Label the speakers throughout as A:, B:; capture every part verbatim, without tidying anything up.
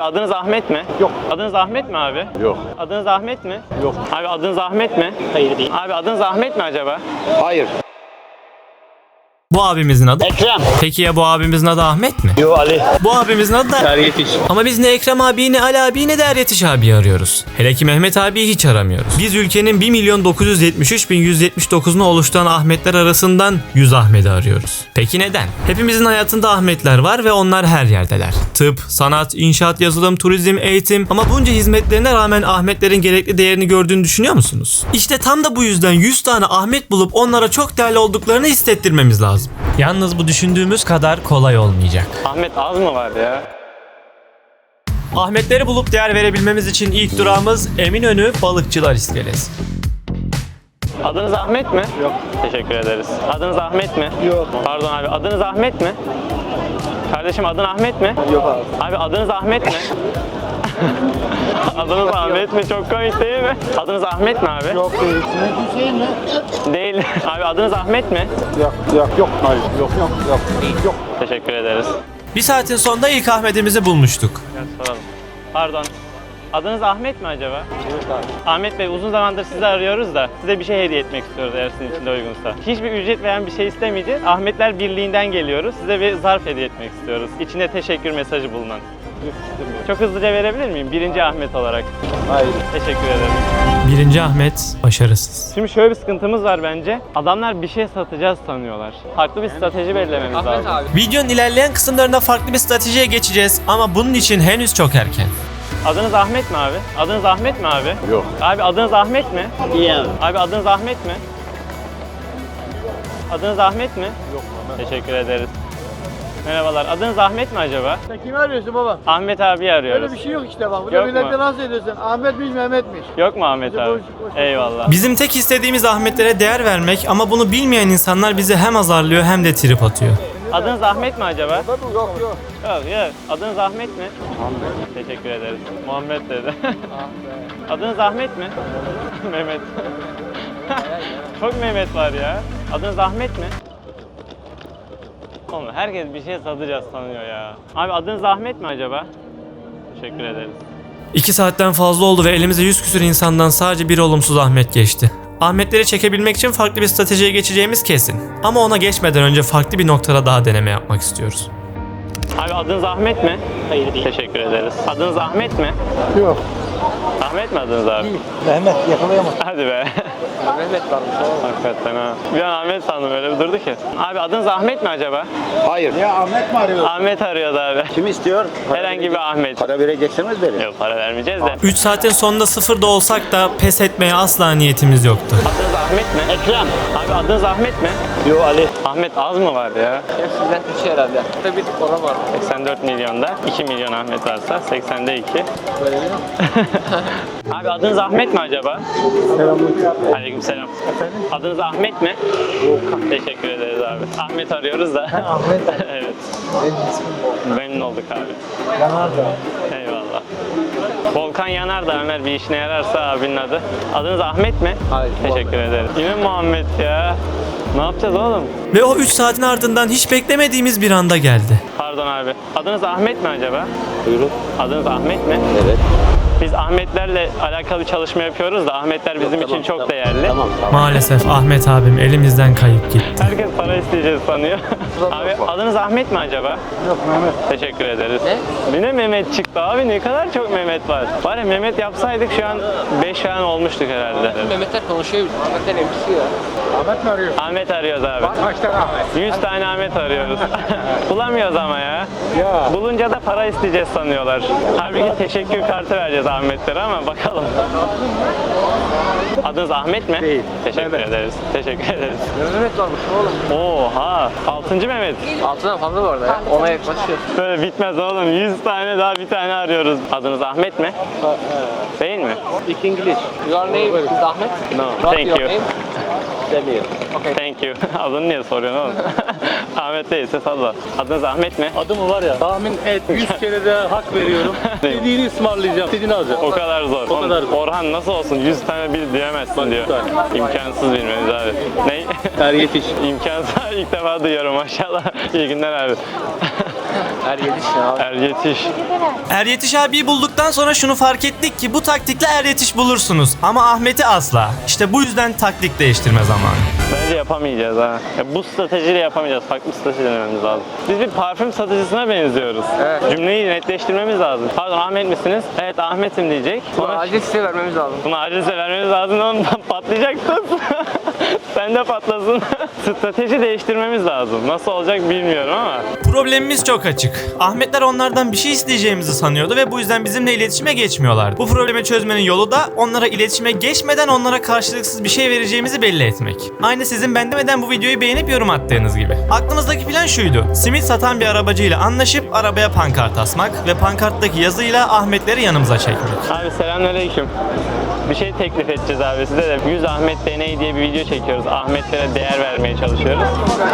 A: adınız Ahmet mi?
B: Yok.
A: Adınız Ahmet mi abi?
B: Yok.
A: Adınız Ahmet mi?
B: Yok.
A: Abi adınız Ahmet mi?
C: Hayır değil.
A: Abi adınız Ahmet mi acaba?
B: Hayır.
D: Bu abimizin adı?
C: Ekrem.
D: Peki ya bu abimizin adı Ahmet mi?
C: Yo Ali.
D: Bu abimizin adı da...
C: Er Yetiş.
D: Ama biz ne Ekrem abi, ne Ali abi, ne de Er Yetiş abi arıyoruz. Hele ki Mehmet abiyi hiç aramıyoruz. Biz ülkenin bir milyon dokuz yüz yetmiş üç bin yüz yetmiş dokuzunu oluşturan Ahmetler arasından yüz Ahmet'i arıyoruz. Peki neden? Hepimizin hayatında Ahmetler var ve onlar her yerdeler. Tıp, sanat, inşaat, yazılım, turizm, eğitim, ama bunca hizmetlerine rağmen Ahmetlerin gerekli değerini gördüğünü düşünüyor musunuz? İşte tam da bu yüzden yüz tane Ahmet bulup onlara çok değerli olduklarını hissettirmemiz lazım. Yalnız bu düşündüğümüz kadar kolay olmayacak.
A: Ahmet az mı var ya?
D: Ahmetleri bulup değer verebilmemiz için ilk durağımız Eminönü Balıkçılar İskelesi.
A: Adınız Ahmet mi? Yok. Teşekkür ederiz. Adınız Ahmet mi?
B: Yok.
A: Pardon abi, adınız Ahmet mi? Kardeşim adın Ahmet mi?
B: Yok abi.
A: Abi adınız Ahmet mi? Adınız Ahmet mi? Çok komik değil mi? Adınız Ahmet mi abi?
B: Yok değil. Hüseyin mi?
A: Değil. Abi adınız Ahmet mi?
B: Yok. Yok. Yok. Hayır. Yok. Yok. Yok. Yok.
A: Teşekkür ederiz.
D: Bir saatin sonunda ilk Ahmet'imizi bulmuştuk.
A: Gel soralım. Pardon. Adınız Ahmet mi acaba?
B: Evet abi.
A: Ahmet Bey, uzun zamandır sizi arıyoruz da size bir şey hediye etmek istiyoruz eğer sizin için de uygunsa. Hiçbir ücret veren bir şey istemeyeceğiz. Ahmetler Birliği'nden geliyoruz. Size bir zarf hediye etmek istiyoruz. İçinde teşekkür mesajı bulunan.
B: Yok istemiyorum.
A: Çok hızlıca verebilir miyim? Birinci Ahmet olarak.
B: Hayır.
A: Teşekkür ederim.
D: Birinci Ahmet başarısız.
A: Şimdi şöyle bir sıkıntımız var bence. Adamlar bir şey satacağız sanıyorlar. Farklı bir strateji belirlememiz lazım.
D: Videonun ilerleyen kısımlarında farklı bir stratejiye geçeceğiz ama bunun için henüz çok erken.
A: Adınız Ahmet mi abi? Adınız Ahmet mi abi?
B: Yok.
A: Abi adınız Ahmet mi?
C: İyi abi.
A: Abi adınız Ahmet mi? Adınız Ahmet mi?
B: Yok.
A: Teşekkür ederiz. Merhabalar. Adınız Ahmet mi acaba?
E: Sen kimi arıyorsun baba?
A: Ahmet abi arıyoruz.
E: Öyle bir şey yok işte bak.
A: Yok
E: Burada
A: mu?
E: millete nasıl ediyorsun? Ahmetmiş Mehmetmiş.
A: Yok mu Ahmet
E: Bizi
A: abi?
E: boş- boş-
A: Eyvallah.
D: Bizim tek istediğimiz Ahmetlere değer vermek ama bunu bilmeyen insanlar bizi hem azarlıyor hem de trip atıyor.
A: Adınız Ahmet mi acaba?
E: Yok yok.
A: Yok yok. Adınız Ahmet mi? Ahmet. Teşekkür ederiz. Muhammed dedi. Adınız Ahmet mi? Mehmet. Çok Mehmet var ya. Adınız Ahmet mi? Oğlum herkes bir şey satacağız sanıyor ya. Abi adınız Ahmet mi acaba? Teşekkür ederiz.
D: İki saatten fazla oldu ve elimize yüz küsür insandan sadece bir olumsuz Ahmet geçti. Ahmetleri çekebilmek için farklı bir stratejiye geçeceğimiz kesin. Ama ona geçmeden önce farklı bir noktada daha deneme yapmak istiyoruz.
A: Abi adınız Ahmet mi?
C: Hayır değil.
A: Teşekkür ederiz. Adınız Ahmet mi?
B: Yok.
A: Ahmet mi adınız abi?
B: Mehmet yakalayamaz.
A: Hadi be.
C: Mehmet varmış oğlum.
A: Hakikaten ha. Bir an Ahmet sandım, öyle bir durdu ki. Abi adınız Ahmet mi acaba?
B: Hayır. Ya Ahmet mi arıyor?
A: Ahmet arıyordu abi.
B: Kim istiyor?
A: Herhangi bir Ahmet.
B: Para vereceksiniz verin.
A: Yok, para vermeyeceğiz de.
D: üç saatin sonunda sıfırda olsak da pes etmeye asla niyetimiz yoktu.
A: Adınız Ahmet mi?
C: Ekrem.
A: Abi adınız Ahmet mi?
C: Yo Ali.
A: Ahmet az mı var ya?
C: Ya sizden üç herhalde. Burada bir tık ona var.
A: seksen dört milyonda iki milyon Ahmet varsa seksende iki.
C: Böyle değil mi?
A: Abi adınız Ahmet mi acaba?
B: Selamünaleyküm.
A: Aleykümselam. Adınız Ahmet mi? Teşekkür ederiz abi. Ahmet arıyoruz da.
B: Ahmet.
A: Evet.
B: Benim
A: Memnun olduk abi.
B: Yanardağ.
A: Eyvallah. Volkan Yanardağ, Ömer bir işine yararsa abinin adı. Adınız Ahmet mi?
C: Hayır.
A: Teşekkür ederiz. Yine Muhammed ya. Ne yapacağız oğlum?
D: Ve o üç saatin ardından hiç beklemediğimiz bir anda geldi.
A: Pardon abi. Adınız Ahmet mi acaba?
B: Buyurun.
A: Adınız Ahmet mi?
B: Evet.
A: Biz Ahmetlerle alakalı bir çalışma yapıyoruz da Ahmetler bizim
B: Yok,
A: için
B: tamam,
A: çok
B: tamam.
A: değerli.
B: Tamam tamam.
D: Maalesef Ahmet abim elimizden kayıp gitti.
A: Herkes para isteyeceğiz sanıyor. Abi adınız Ahmet mi acaba?
B: Yok Mehmet.
A: Teşekkür ederiz.
C: Ne?
A: Yine Mehmet çıktı abi, ne kadar çok Mehmet var. Var ya, Mehmet yapsaydık şu an beş falan olmuştuk herhalde.
C: Mehmetler konuşuyor. Mehmetler emrisi ya.
B: Ahmet mi arıyor?
A: Ahmet arıyoruz abi.
B: Kaç tane Ahmet?
A: yüz tane Ahmet arıyoruz. Bulamıyoruz ama ya.
B: Ya.
A: Bulunca da para isteyeceğiz sanıyorlar. Halbuki teşekkür kartı vereceğiz Ahmetlere ama bakalım. Adınız Ahmet mi?
B: Değil.
A: Teşekkür
B: Mehmet.
A: ederiz. Teşekkür ederiz.
C: Mehmet varmış oğlum.
A: Oha! Altıncı Mehmet.
C: Altından fazla var da ya. Ona yaklaşıyor.
A: Böyle bitmez oğlum. yüz tane daha bir tane arıyoruz. Adınız Ahmet mi? Değil mi?
C: İki İngiliz. Your name is Ahmet?
A: No.
C: What
A: Thank
C: your
A: you.
C: name? Demir. Okay.
A: Thank you. Adını niye soruyorsun oğlum? Ahmet değilse salla. Adınız Ahmet mi?
F: Adımı var ya, tahmin et yüz kere de hak veriyorum. İstediğini ısmarlayacağım, istediğini alacağım.
A: O kadar zor.
F: O kadar zor.
A: Orhan nasıl olsun? yüz tane bil diyemezsin
F: Bak,
A: diyor.
F: lütfen.
A: İmkansız bilmeniz abi. Ne?
F: Er Yetiş.
A: İmkansız. İlk defa duyuyorum maşallah. İyi günler abi.
C: Er yetiş ya.
A: Er yetiş.
D: Er Yetiş abiyi bulduktan sonra şunu fark ettik ki bu taktikle Er Yetiş bulursunuz. Ama Ahmet'i asla. İşte bu yüzden taktik değiştirme zamanı.
A: Bence yapamayacağız ha. Ya bu stratejiyle yapamayacağız. Farklı strateji denememiz lazım. Biz bir parfüm satıcısına benziyoruz.
C: Evet.
A: Cümleyi netleştirmemiz lazım. Pardon, Ahmet misiniz? Evet, Ahmet'im diyecek.
C: Sonra
A: Sonra
C: acil size vermemiz lazım.
A: bunu acilse vermemiz lazım. Ondan patlayacaksın. Sen de patlasın. Strateji değiştirmemiz lazım. Nasıl olacak bilmiyorum ama.
D: Problemimiz çok açık. Ahmetler onlardan bir şey isteyeceğimizi sanıyordu ve bu yüzden bizimle iletişime geçmiyorlardı. Bu problemi çözmenin yolu da onlara iletişime geçmeden onlara karşılıksız bir şey vereceğimizi belli etmek. Aynı sizin ben demeden bu videoyu beğenip yorum attığınız gibi. Aklımızdaki plan şuydu. Simit satan bir arabacıyla anlaşıp arabaya pankart asmak ve pankarttaki yazıyla Ahmetleri yanımıza çekmek.
A: Abi selamünaleyküm. Bir şey teklif edeceğiz abi size de. yüz Ahmet Deney diye bir video çekiyoruz. Ahmetlere değer vermeye çalışıyoruz.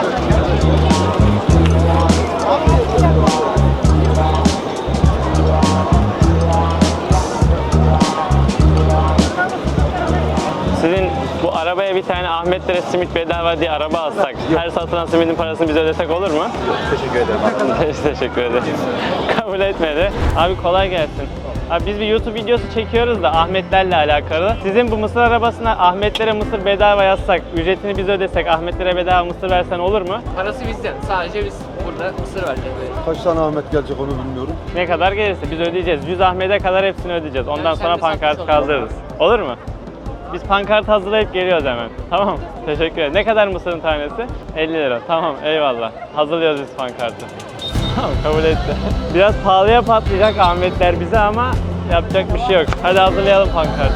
A: Sizin bu arabaya bir tane Ahmetlere simit bedava diye araba alsak, her satılan simidin parasını biz ödesek olur mu?
B: Teşekkür ederim.
A: Teşekkür ederim. Kabul etmedi. Abi kolay gelsin. Abi biz bir YouTube videosu çekiyoruz da Ahmetlerle alakalı. Sizin bu mısır arabasına Ahmetlere mısır bedava yazsak, ücretini biz ödesek, Ahmetlere bedava mısır versen olur mu?
C: Parası bizden. Sadece biz burada mısır vereceğiz.
B: Kaç tane Ahmet gelecek onu bilmiyorum.
A: Ne kadar gelirse biz ödeyeceğiz. yüz Ahmet'e kadar hepsini ödeyeceğiz. Ondan
C: Yani sen
A: sonra
C: de satmış
A: pankartı
C: ol.
A: kaldırırız. Olur mu? Biz pankart hazırlayıp geliyoruz hemen. Tamam. Teşekkür ederim. Ne kadar mısırın tanesi? elli lira. Tamam. Eyvallah. Hazırlıyoruz biz pankartı. Tamam, kabul etti. Biraz pahalıya patlayacak Ahmetler bize ama yapacak bir şey yok. Hadi hazırlayalım pankartı.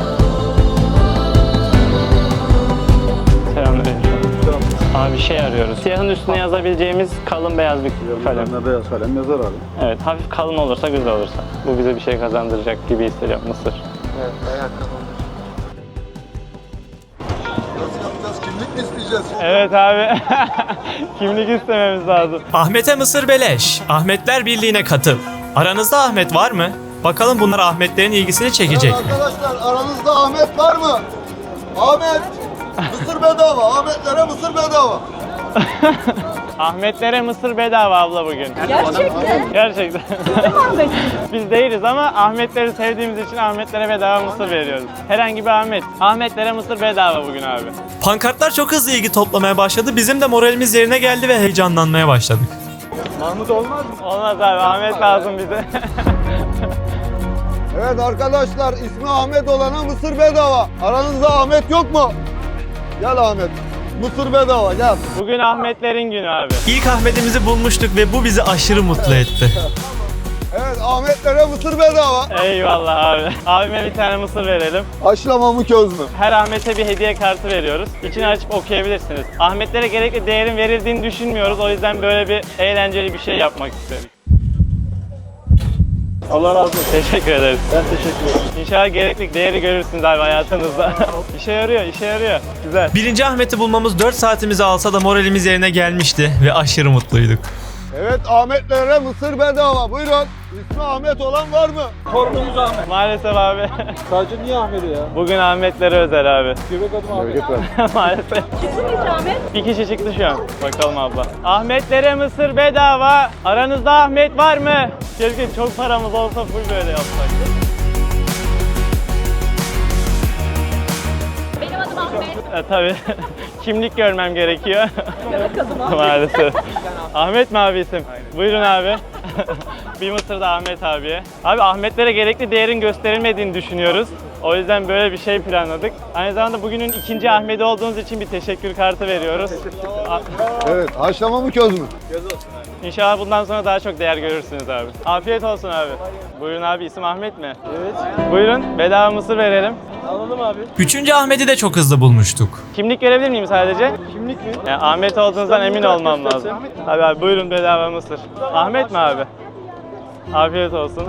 A: Selamünaleyküm. Abi bir şey arıyoruz. Siyahın üstüne yazabileceğimiz kalın beyaz bir kalem.
B: Ne beyaz kalem yazar abi.
A: Evet, hafif kalın olursa, güzel olursa. Bu bize bir şey kazandıracak gibi hissediyorum, mısır.
C: Evet, bayağı kalın.
B: Nasıl yapacağız? Kimlik mi isteyeceğiz?
A: Evet abi. Kimlik istememiz lazım.
D: Ahmet'e mısır beleş. Ahmetler Birliği'ne katıl. Aranızda Ahmet var mı? Bakalım bunlar Ahmetlerin ilgisini çekecek mi?
B: Arkadaşlar aranızda Ahmet var mı? Ahmet! Mısır bedava. Ahmetlere mısır bedava.
A: Ahmetlere mısır bedava abla bugün.
G: Gerçekten.
A: Gerçekten.
G: Ahmet.
A: Biz değiliz ama Ahmetleri sevdiğimiz için Ahmetlere bedava mısır veriyoruz. Herhangi bir Ahmet. Ahmetlere mısır bedava bugün abi.
D: Pankartlar çok hızlı ilgi toplamaya başladı. Bizim de moralimiz yerine geldi ve heyecanlanmaya başladık.
A: Mahmut olmaz mı? Olmaz abi. Ahmet lazım bize.
B: Evet arkadaşlar ismi Ahmet olana mısır bedava. Aranızda Ahmet yok mu? Gel Ahmet. Mısır bedava gel.
A: Bugün Ahmetlerin günü abi.
D: İlk Ahmet'imizi bulmuştuk ve bu bizi aşırı mutlu etti.
B: Evet Ahmetlere mısır bedava.
A: Eyvallah abi. Abime bir tane mısır verelim.
B: Haşlama mı köz mü?
A: Her Ahmet'e bir hediye kartı veriyoruz. İçini açıp okuyabilirsiniz. Ahmetlere gerekli değerin verildiğini düşünmüyoruz. O yüzden böyle bir eğlenceli bir şey yapmak istedik. Allah razı olsun. Teşekkür ederiz.
B: Ben teşekkür ederim.
A: İnşallah gerekli değeri görürsünüz abi hayatınızda. İşe yarıyor, işe yarıyor. Güzel.
D: Birinci Ahmet'i bulmamız dört saatimizi alsa da moralimiz yerine gelmişti ve aşırı mutluyduk.
B: Evet Ahmetlere mısır bedava. Buyurun. İsmi Ahmet olan var mı?
F: Torunumuz Ahmet.
A: Maalesef abi.
F: Sadece niye Ahmet'i ya?
A: Bugün Ahmetlere özel abi.
F: Göbek adım Ahmet.
A: Maalesef.
G: Kesinlikle Ahmet.
A: Bir kişi çıktı şu an. Bakalım abla. Ahmetlere mısır bedava. Aranızda Ahmet var mı? Keşke çok paramız olsa full böyle yapsak.
G: Benim adım Ahmet.
A: E, tabii. Kimlik görmem gerekiyor.
G: Göbek adım Ahmet.
A: Maalesef. Ahmet mi abi isim? Buyurun abi. Bir mısır da Ahmet abiye. Abi Ahmetlere gerekli değerin gösterilmediğini düşünüyoruz. O yüzden böyle bir şey planladık. Aynı zamanda bugünün ikinci Ahmet'i olduğunuz için bir teşekkür kartı veriyoruz. A-
B: Evet haşlama mı köz mü?
A: İnşallah bundan sonra daha çok değer görürsünüz abi. Afiyet olsun abi. Buyurun abi, isim Ahmet mi? Evet. Buyurun, bedava mısır verelim.
F: Alalım abi.
D: Üçüncü Ahmet'i de çok hızlı bulmuştuk.
A: Kimlik görebilir miyim sadece?
F: Kimlik mi?
A: Yani Ahmet olduğunuzdan emin olmam lazım. Abi, abi buyurun bedava mısır. Ahmet mi abi? Afiyet olsun.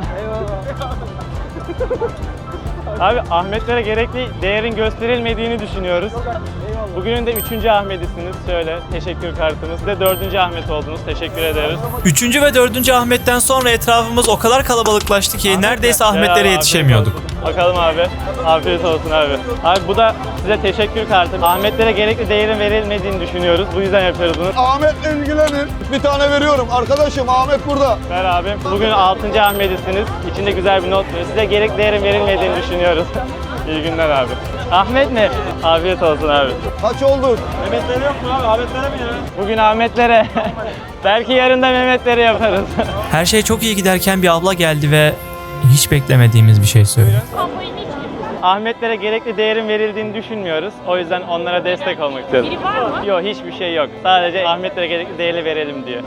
A: Abi Ahmetlere gerekli değerin gösterilmediğini düşünüyoruz. Bugünün de üçüncü Ahmet'isiniz. Şöyle teşekkür kartımız. Size dördüncü Ahmet oldunuz. Teşekkür ederiz.
D: Üçüncü ve dördüncü Ahmet'ten sonra etrafımız o kadar kalabalıklaştı ki neredeyse
A: Gel abi,
D: Ahmetlere yetişemiyorduk.
A: afiyet olsun. Bakalım abi. Afiyet olsun abi. Abi bu da size teşekkür kartı. Ahmetlere gerekli değerin verilmediğini düşünüyoruz. Bu yüzden yapıyoruz bunu.
B: Ahmet'le ilgilenin. Bir tane veriyorum. Arkadaşım Ahmet burada.
A: Ver abi. Bugün altıncı Ahmet'isiniz. İçinde güzel bir not var. Size gerekli değerin verilmediğini düşünüyoruz. İyi günler abi. Ahmet mi? Afiyet olsun abi.
B: Kaç oldun?
A: Mehmetlere yok mu abi? Ahmetlere mi ya? Bugün Ahmetlere. Belki yarın da Mehmetlere yaparız.
D: Her şey çok iyi giderken bir abla geldi ve hiç beklemediğimiz bir şey söyledi.
A: Ahmetlere gerekli değerin verildiğini düşünmüyoruz. O yüzden onlara destek olmak istiyoruz.
G: Biri var mı?
A: Yok, hiçbir şey yok. Sadece Ahmetlere gerekli değeri verelim diyor.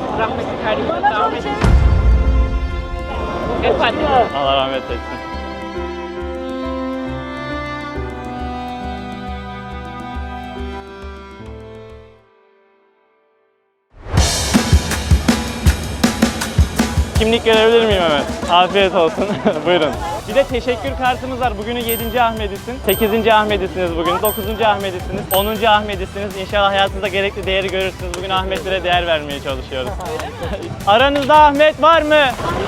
A: Allah rahmet etsin. Kimlik görebilir miyim hemen? Afiyet olsun. Buyurun. Bir de teşekkür kartımız var. Bugünün yedinci Ahmet'isin. sekizinci Ahmet'isiniz bugün. dokuzuncu Ahmet'isiniz. onuncu Ahmet'isiniz. İnşallah hayatınızda gerekli değeri görürsünüz. Bugün Ahmetlere değer vermeye çalışıyoruz. Aranızda Ahmet var mı?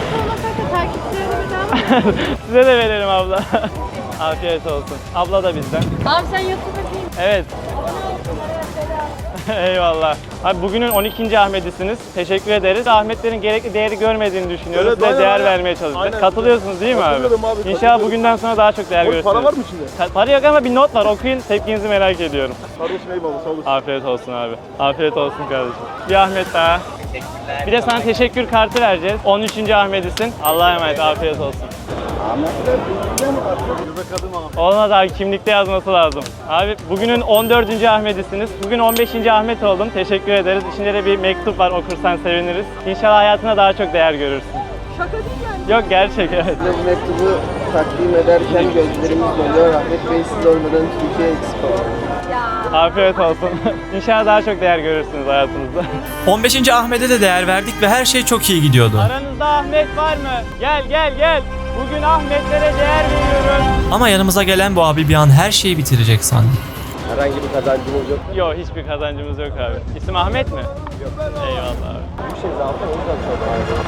A: Size de verelim abla. Afiyet olsun. Abla da bizden.
G: Abi sen YouTube'a
A: Evet. Eyvallah. Abi bugünün on ikinci Ahmet'isiniz. Teşekkür ederiz. Ahmetlerin gerekli değeri görmediğini düşünüyoruz.
B: Evet,
A: Size
B: aynen,
A: değer
B: aynen.
A: vermeye çalışacağız.
B: Aynen.
A: Katılıyorsunuz değil mi abi?
B: Katılıyorum abi,
A: İnşallah
B: katılıyorum.
A: bugünden sonra daha çok değer görürsünüz.
B: Para var mı içinde?
A: Ka- Para yok ama bir not var. Okuyun. Tepkinizi merak ediyorum.
B: Kardeşim eyvallah sağ olasın.
A: Afiyet olsun abi. Afiyet olsun kardeşim. Bir Ahmet daha. Bir de sana teşekkür kartı vereceğiz. on üçüncü Ahmet'isin. Allah'a emanet. Afiyet olsun. Olmaz abi, kimlikte yazması lazım. Abi bugünün on dördüncü Ahmet'isiniz. Bugün on beşinci Ahmet oldum. Teşekkür ederiz. İçinde de bir mektup var, okursan seviniriz. İnşallah hayatına daha çok değer görürsün.
G: Şaka değil yani.
A: Yok, gerçek, evet.
C: Bu mektubu takdim ederken gözlerimiz doluyor. Ahmet Bey siz olmadan Türkiye eksik olur.
A: Afiyet olsun. İnşallah daha çok değer görürsünüz hayatınızda.
D: on beşinci Ahmet'e de değer verdik ve her şey çok iyi gidiyordu.
A: Aranızda Ahmet var mı? Gel gel gel. Bugün Ahmetlere değer veriyoruz.
D: Ama yanımıza gelen bu abi bir an her şeyi bitirecek sandı.
C: Herhangi bir kazancımız yok.
A: Yok, hiçbir kazancımız yok abi. İsim Ahmet mi? Yok. Eyvallah abi.
C: Bir şey zaten o yüzden sonra.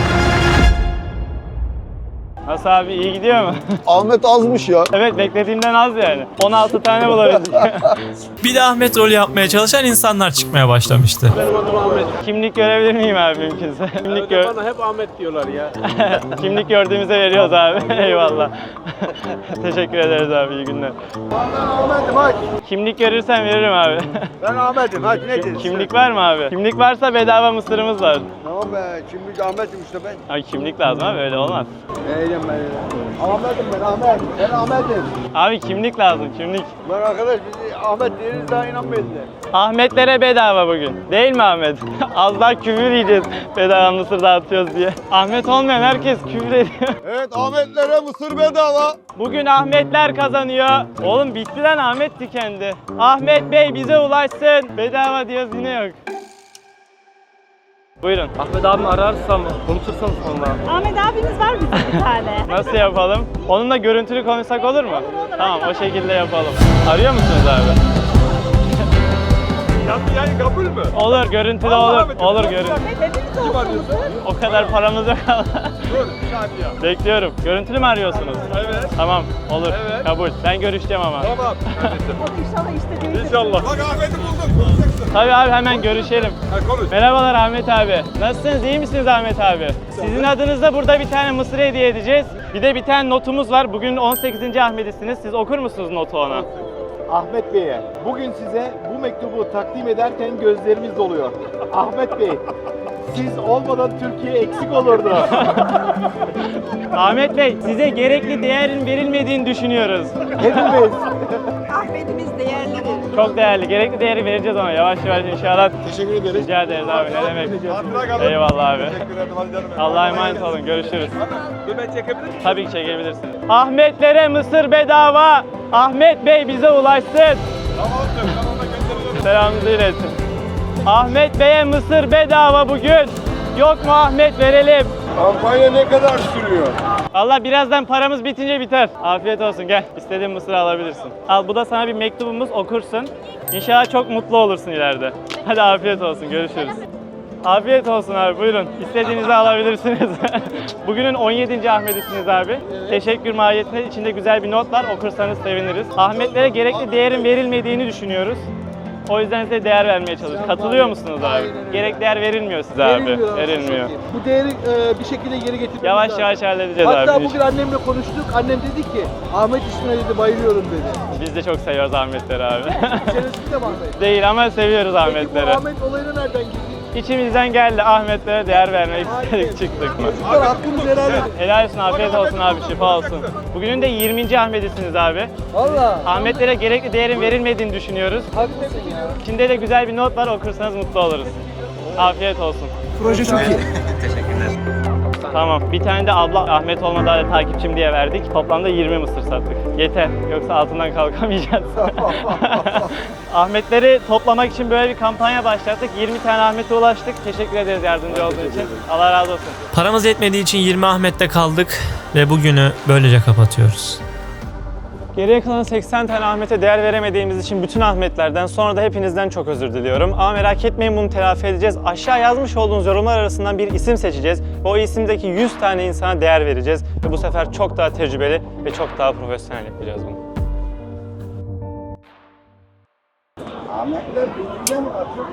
A: Nasıl abi, iyi gidiyor mu?
B: Ahmet azmış ya.
A: Evet, beklediğimden az yani. on altı tane bulabildik.
D: Bir de Ahmet rolü yapmaya çalışan insanlar çıkmaya başlamıştı.
F: Benim adım Ahmet.
A: Kimlik görebilir miyim abi mümkünse? Kimlik, gör
F: Bana hep Ahmet diyorlar ya.
A: Kimlik gördüğümüzde veriyoruz abi. Eyvallah. Teşekkür ederiz abi, iyi günler.
B: Ben Ahmet'im hadi.
A: Kimlik görürsen veririm abi.
B: Ben Ahmet'im hadi ne diyorsun?
A: Kimlik var mı abi? Kimlik varsa bedava mısırımız var.
B: Tamam be kimlik Ahmet'im işte ben.
A: Abi kimlik lazım abi, öyle olmaz.
B: Neydim ben ya? Ahmet'im ben Ahmet. Ben Ahmet'im.
A: Abi kimlik lazım, kimlik.
B: Lan arkadaş biz Ahmet değiliz daha inanmayız de.
A: Ahmetlere bedava bugün. Değil mi Ahmet? Az daha küfür yiyeceğiz bedava mısır dağıtıyoruz diye. Ahmet olmayan herkes küfür ediyor.
B: Evet Ahmetlere mısır bedava.
A: Bugün Ahmetler kazanıyor. Oğlum bitti lan, Ahmet tükendi. Ahmet Bey bize ulaşsın. Bedava diyoruz, yine yok. Buyurun.
F: Ahmet abimi ararsam, konuşursanız onunla.
G: Ahmet abimiz var bizim bir tane.
A: Nasıl yapalım? Onunla görüntülü konuşsak olur mu? Tamam, o şekilde yapalım. Arıyor musunuz abi?
B: Yani kabul mü?
A: Olur, görüntülü olur. Olur, görüntülü.
G: Hepimiz olsun.
A: O kadar paramız yok. Bekliyorum. Görüntülü mü arıyorsunuz?
B: Evet.
A: Tamam, olur.
B: Evet.
A: Kabul. Ben görüşeceğim ama.
B: Tamam.
G: İnşallah işte değil.
B: İnşallah. Bak Ahmet'i bulduk. Konuşacaksın.
A: Tabii abi, hemen görüşelim.
B: Ha konuş.
A: Merhabalar Ahmet abi. Nasılsınız? İyi misiniz Ahmet abi? Sizin adınızda burada bir tane mısır hediye edeceğiz. Bir de bir tane notumuz var. Bugün on sekizinci Ahmet'isiniz. Siz okur musunuz notu ona?
E: Ahmet Bey'e bugün size bu mektubu takdim ederken gözlerimiz doluyor. Ahmet Bey, siz olmadan Türkiye eksik olurdu.
A: Ahmet Bey, size gerekli değerin verilmediğini düşünüyoruz.
E: Hepimiz.
G: Ahmetimiz değerlidir.
A: Çok değerli. Gerekli değeri vereceğiz ona. Yavaş yavaş inşallah.
B: Teşekkür ederiz.
A: Rica ederiz abi. Ne demek?
B: Hatıra kalın.
A: Eyvallah abi.
B: Teşekkür ederim. Hadi canım.
A: Allah'a emanet olun. Görüşürüz.
B: Ben çekebilir miyim?
A: Tabii ki çekebilirsiniz. Ahmetlere mısır bedava. Ahmet Bey bize ulaşsın.
B: Tamam canım. Ben ona gönderirim.
A: Selamınızı iletin. Ahmet Bey'e mısır bedava bugün. Yok mu Ahmet, verelim.
B: Kampanya ne kadar sürüyor?
A: Allah birazdan paramız bitince biter. Afiyet olsun, gel. İstediğin mısırı alabilirsin. Al, bu da sana bir mektubumuz, okursun. İnşallah çok mutlu olursun ileride. Hadi afiyet olsun, görüşürüz. Afiyet olsun abi, buyurun. İstediğinizi alabilirsiniz. Bugünün on yedinci Ahmet'isiniz abi. Teşekkür mahiyetinde içinde güzel bir not var, okursanız seviniriz. Ahmetlere gerekli değerin verilmediğini düşünüyoruz. O yüzden size değer vermeye çalışıyoruz. Katılıyor musunuz abi? Gerek değer verilmiyor size abi.
E: Verilmiyor.
A: Verilmiyor.
E: Bu değeri e, bir şekilde geri getirmemiz
A: Yavaş
E: lazım.
A: yavaş halledeceğiz
E: Hatta
A: abi.
E: bugün annemle konuştuk. Annem dedi ki Ahmet ismine dedi bayılıyorum dedi.
A: Biz de çok seviyoruz Ahmetleri abi.
E: İçerisinde de mi Ahmet?
A: Değil ama seviyoruz
E: Peki
A: Ahmetleri.
E: bu Ahmet olayına nereden gitti?
A: İçimizden geldi, Ahmetlere değer vermek istedik, çıktık mı?
E: Çocuklar hakkınızı helal edin.
A: Helal olsun, afiyet olsun abi, şifa olsun. Bugünün de yirminci Ahmet'isiniz abi.
E: Valla.
A: Ahmetlere gerekli değerin verilmediğini düşünüyoruz.
E: Haklısın ya.
A: İçinde de güzel bir not var, okursanız mutlu oluruz. Afiyet olsun.
E: Proje çok iyi.
A: Tamam, bir tane de abla Ahmet olmadı hala takipçim diye verdik. Toplamda yirmi mısır sattık. Yeter, yoksa altından kalkamayacağız. Ahmetleri toplamak için böyle bir kampanya başlattık. yirmi tane Ahmet'e ulaştık. Teşekkür ederiz yardımcı olduğun için. Allah razı olsun.
D: Paramız yetmediği için yirmi Ahmet'te kaldık ve bugünü böylece kapatıyoruz.
A: Geriye kalan seksen tane Ahmet'e değer veremediğimiz için bütün Ahmetlerden, sonra da hepinizden çok özür diliyorum. Ama merak etmeyin, bunu telafi edeceğiz. Aşağı yazmış olduğunuz yorumlar arasından bir isim seçeceğiz. Ve o isimdeki yüz tane insana değer vereceğiz. Ve bu sefer çok daha tecrübeli ve çok daha profesyonel yapacağız bunu.
B: Ahmetler birbirine mi atıyor?